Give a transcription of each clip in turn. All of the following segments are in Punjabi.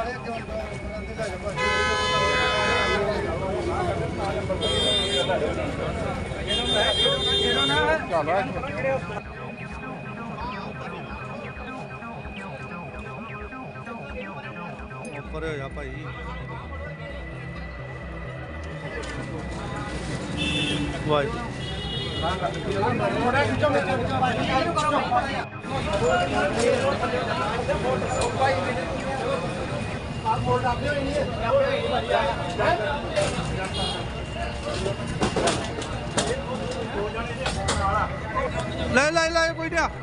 ਉੱਪਰ ਹੋ ਜਾ ਭਾਈ। ਵਾਹਿਗੁਰੂ ਲੈ ਲੈ ਲੈ ਕੋਈ ਨਾ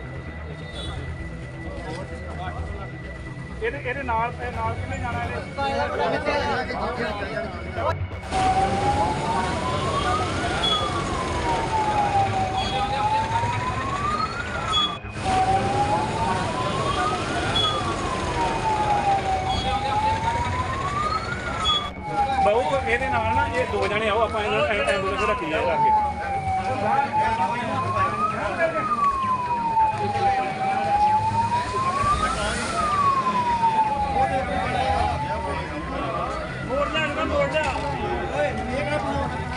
ਇਹਦੇ ਨਾਲ ਕਿੰਨੇ ਜਾਣਾ ਬਹੁ ਇਹਦੇ ਨਾਲ ਨਾ ਇਹ ਦੋ ਜਣੇ ਆਓ ਆਪਾਂ ਇਹਨਾਂ ਐਂਬੂਲੈਂਸ ਰੱਖੀ ਜਾਏ ਕਰਕੇ ਮੋੜ ਲਿਆ ਓਏ ਇਹ ਕਿਹੜਾ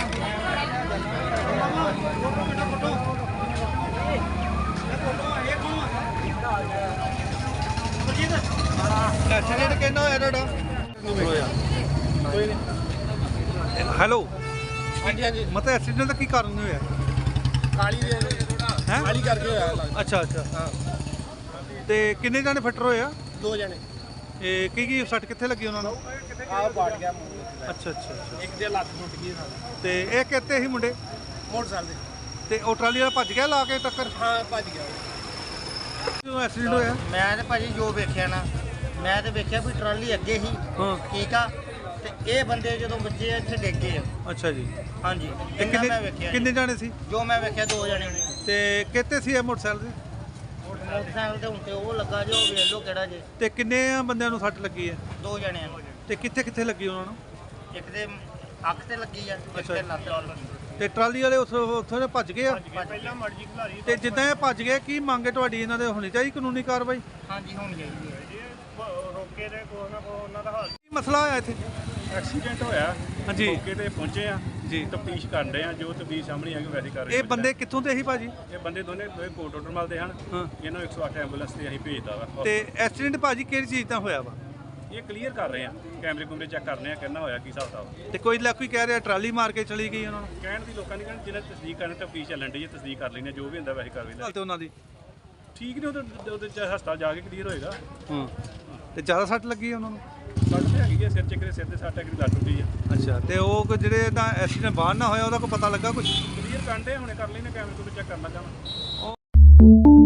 ਐਕਸੀਡੈਂਟ ਕਿੰਨਾ ਹੋਇਆ ਤੁਹਾਡਾ? ਕੋਈ ਨਹੀਂ। ਹੈਲੋ ਹਾਂਜੀ ਹਾਂਜੀ ਮਤਲਬ ਐਕਸੀਡੈਂਟ ਦਾ ਕੀ ਕਾਰਨ ਹੋਇਆ? ਕਾਲੀ ਦੇ ਹੈ ਕਾਲੀ ਕਰਕੇ ਹੋਇਆ ਲੱਗਦਾ। ਅੱਛਾ ਅੱਛਾ ਹਾਂ ਤੇ ਕਿੰਨੇ ਜਾਣੇ ਫੱਟਰ ਹੋਏ ਆ? ਦੋ ਜਣੇ ਇਹ ਕੀ ਸੱਟ ਕਿੱਥੇ ਲੱਗੀ ਉਹਨਾਂ ਨੂੰ? ਆਹ ਪਾਟ ਗਿਆ ਮੂੰਹ। ਅੱਛਾ ਅੱਛਾ ਅੱਛਾ ਇੱਕ ਦੇ ਲੱਤ ਟੁੱਟ ਗਈ ਨਾਲ ਤੇ ਇਹ ਕਿੱਥੇ ਸੀ ਮੁੰਡੇ? ਮੋਟਰਸਾਈਕਲ ਦੇ। ਤੇ ਉਹ ਟਰਾਲੀ ਵਾਲਾ ਭੱਜ ਗਿਆ ਲਾ ਕੇ ਟੱਕਰ ਹਾਂ ਭੱਜ ਗਿਆ ਜਦੋਂ ਐਕਸੀਡੈਂਟ ਹੋਇਆ? ਮੈਂ ਤੇ ਭਾਜੀ ਜੋ ਵੇਖਿਆ ਨਾ, ਮੈਂ ਤੇ ਵੇਖਿਆ ਵੀ ਟਰਾਲੀ ਅੱਗੇ ਹੀ ਹਾਂ ਠੀਕ ਆ, ਤੇ ਇਹ ਬੰਦੇ ਜਦੋਂ ਵੱਜੇ ਇੱਥੇ ਡਿੱਗ ਗਏ ਆ। ਅੱਛਾ ਜੀ। ਹਾਂਜੀ ਤੇ ਇੰਨਾ ਮੈਂ ਵੇਖਿਆ ਕਿੰਨੇ ਜਾਣੇ ਸੀ? ਜੋ ਮੈਂ ਵੇਖਿਆ ਦੋ ਜਣੇ ਨੇ। ਤੇ ਕਿੱਥੇ ਸੀ ਇਹ ਮੋਟਰਸਾਈਕਲ ਤੇ? ਮੋਟਰਸਾਈਕਲ ਤੇ ਹੁਣ ਤੇ ਉਹ ਲੱਗਾ ਜੋ ਵੇਖ ਲਓ ਕਿਹੜਾ ਜੇ। ਤੇ ਕਿੰਨੇ ਬੰਦਿਆਂ ਨੂੰ ਸੱਟ ਲੱਗੀ ਹੈ? ਦੋ ਜਣਿਆਂ ਨੂੰ, ਤੇ ਕਿੱਥੇ ਕਿੱਥੇ ਲੱਗੀ ਉਹਨਾਂ ਨੂੰ? ਇੱਕ ਦੇ ਅੱਖ ਤੇ ਲੱਗੀ ਆ, ਇੱਕ ਅੱਛਾ। ਤੇ ਲੱਤ ਨਾਲ। ਤੇ ਟਰਾਲੀ ਵਾਲੇ ਉੱਥੋਂ ਦੇ ਭੱਜ ਗਏ ਆ? ਪਹਿਲਾਂ ਮਰਜੀ ਖਿਲਾਰੀ ਤੇ ਜਿੱਦਾਂ ਇਹ ਭੱਜ ਗਏ ਕੀ ਮੰਗ ਹੈ ਤੁਹਾਡੀ ਇਹਨਾਂ ਦੇ ਹੋਣੀ ਚਾਹੀਦੀ ਕਾਨੂੰਨੀ ਕਾਰਵਾਈ? ਹਾਂਜੀ ਹੁਣ ਚਾਹੀਦੀ ਹੈ। ਰੋਕੇ ਦੇ ਕੋਈ ਨਾ ਕੋਈ ਉਹਨਾਂ ਦਾ ਹਾਲ। ਕੀ ਮਸਲਾ ਹੋਇਆ ਇੱਥੇ? ਐਕਸੀਡੈਂਟ ਹੋਇਆ ਹਾਂਜੀ। ਮੌਕੇ ਤੇ ਪਹੁੰਚੇ ਆ ਜੀ। ਤਫਤੀਸ਼ ਕਰ ਰਹੇ ਆ ਜੋ ਤਫਤੀਸ਼ ਸਾਹਮਣੇ ਆ ਕੇ ਵੈਰੀ ਕਰ ਰਹੇ ਇਹ ਬੰਦੇ ਕਿੱਥੋਂ ਦੇ ਸੀ ਭਾਜੀ? ਇਹ ਬੰਦੇ ਦੋਨੇ ਕੋਟ ਆਰਡਰ ਮਲਦੇ ਹਨ। ਹਾਂ। ਇਹਨਾਂ ਨੂੰ 108 ਐਂਬੂਲੈਂਸ ਤੇ ਅਸੀਂ ਭੇਜਦਾ ਵਾ ਤੇ ਐਕਸੀਡੈਂਟ ਭਾਜੀ ਕਿਹੜੀ ਚੀਜ਼ ਦਾ ਹੋਇਆ ਵਾ? ਇਹ ਕਲੀਅਰ ਕਰ ਰਹੇ ਆ ਕੈਮਰੇ ਕੁਮਰੇ ਚੈੱਕ ਕਰ ਰਹੇ ਆ ਕਿੰਨਾ ਹੋਇਆ ਕੀ ਹਿਸਾਬ ਦਾ। ਤੇ ਕੋਈ ਕੋਈ ਕਹਿ ਰਿਹਾ ਟਰਾਲੀ ਮਾਰ ਕੇ ਚਲੀ ਗਈ ਉਹਨਾਂ ਨੂੰ? ਕਹਿਣ ਦੀ ਲੋਕਾਂ ਦੀ ਕਹਿਣ ਜਿਹਨਾਂ ਤਸਦੀਕ ਕਰਨ ਤਫਤੀਸ਼ ਚੱਲਣ ਦੀ ਹੈ ਤਸਦੀਕ ਕਰ ਲੈਣੇ ਜੋ ਵੀ ਹੁੰਦਾ ਵੈਸੇ ਕਰ ਲੈਂਦੇ ਤੇ ਉਹਨਾਂ ਦੀ ਠੀਕ ਨੇ ਉਹਦੇ ਹਸਪਤਾਲ ਜਾ ਕੇ ਕਲੀਅਰ ਹੋਏਗਾ। ਹਾਂ। ਤੇ ਜ਼ਿਆਦਾ ਸੱਟ ਲੱਗੀ ਉਹਨਾਂ ਨੂੰ? ਸੱਟ ਹੈਗੀ ਹੈ ਸਿਰ ਚੱਕਰੇ ਸਿਰ ਦੇ ਸੱਟ ਹੈਗੀ ਲੱਤ ਟੁੱਟੀ ਆ। ਅੱਛਾ। ਤੇ ਉਹ ਜਿਹੜੇ ਤਾਂ ਐਕਸੀਡੈਂਟ ਬਾਹਰ ਨਾ ਹੋਇਆ ਉਹਦਾ ਕੋਈ ਪਤਾ ਲੱਗਾ ਕੁਝ? ਕਲੀਅਰ ਕਰਦੇ ਹੁਣੇ ਕਰ ਲੈਣੇ ਕੈਮਰੇ ਕੁਮਰੇ ਚੈੱਕ ਕਰਨ ਲੱਗਾ ਵਾ।